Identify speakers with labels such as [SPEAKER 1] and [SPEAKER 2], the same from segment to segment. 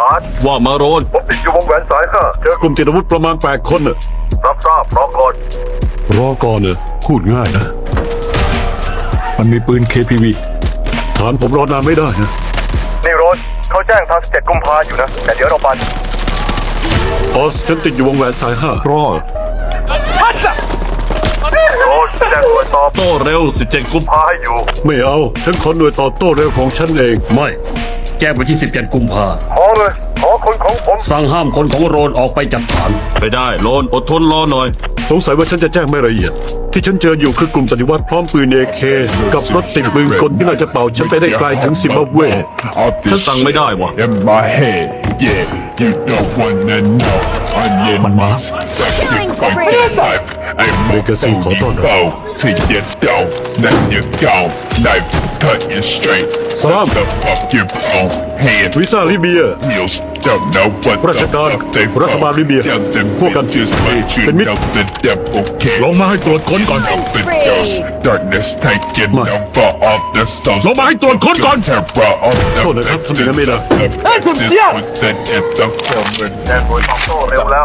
[SPEAKER 1] ว่ามาโรน
[SPEAKER 2] ผมติดอยู่วงแหวนสาย5เจอกลุ่มติดอาวุธประมาณ8 คนน่ะรับทราบรอก่อนเนอะพูดง่ายนะมันมีปืน KPV ฐานผมรอนานไม่ได้นะนี่โรนเขาแจ้งทาง17 กุมภาอยู่นะแต่เดี๋ยวเราไปออสฉันติดอยู่วงแหวนสาย5รอโรนแจ้งหน่วยตอบ
[SPEAKER 1] โต้เร็ว17 กุมภา
[SPEAKER 2] พาให้อยู่ไม่เอาฉันขอหน่วยตอบโต้เร็วของฉันเอง
[SPEAKER 3] ไม่แจ้งไปที่17 กุมภา
[SPEAKER 2] ขอเลยขอคนของผม
[SPEAKER 3] สั่งห้ามคนของโรนออกไปจากฐาน
[SPEAKER 1] ไปได้โรนอดทนรอหน่อย
[SPEAKER 2] สงสัยว่าฉันจะแจ้งไม่ละเอียด ที่ฉันเจออยู่คือกลุ่มปฏิวัติพร้อมปืน AK กับรถติดปืนกลที่น่าจะเป่าฉันไปได้ไกลถึงซิมบับเว
[SPEAKER 1] ฉันสั่งไม่ได้วะ
[SPEAKER 4] In my head, yeah, you don't wanna know. Onion rings,
[SPEAKER 5] Killing
[SPEAKER 4] from
[SPEAKER 5] spree.
[SPEAKER 4] the life. I'm
[SPEAKER 2] Legacy
[SPEAKER 4] more
[SPEAKER 2] khó tỏ rồi.
[SPEAKER 4] bow to your down, then you go. Knife cutting straight.
[SPEAKER 2] Salam.
[SPEAKER 4] The fuck you own hand.
[SPEAKER 2] วีซ่าลิเบีย
[SPEAKER 4] Meals don't know what
[SPEAKER 2] ราช
[SPEAKER 4] the
[SPEAKER 2] การ
[SPEAKER 4] fuck they
[SPEAKER 2] รัฐบาลลิเบีย
[SPEAKER 4] Tell them
[SPEAKER 2] พวกกัน
[SPEAKER 4] bitches let you
[SPEAKER 2] เป็นมิตร
[SPEAKER 4] know the devil can.
[SPEAKER 1] ลงมาให้ตรวจค้นก่อน
[SPEAKER 4] Open doors, darkness taking
[SPEAKER 2] Ma.
[SPEAKER 4] over all the souls.
[SPEAKER 1] ลงมาให้ตรวจค้นก่อน
[SPEAKER 4] Terror of the
[SPEAKER 2] โทษนะครับทำอย่างนั้นไม่ได้
[SPEAKER 4] แจ้งหน่วยตอบโต้เร็วแล้ว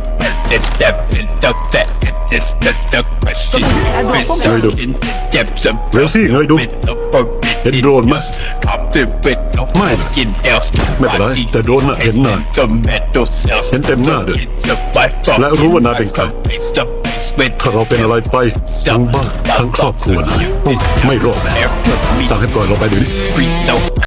[SPEAKER 2] เร็วสิเงยดูเห็นโดรนไหมไม่ไม่เป็นไรแต่โดรนน่ะเห็นนายเห็นเต็มหน้าด้วยและรู้ว่านายเป็นใครถ้าเราเป็นอะไรไปทั้งบ้านทั้งครอบครัวนายไม่รอดสั่งให้ปล่อยเราไปเดี๋ยวนี้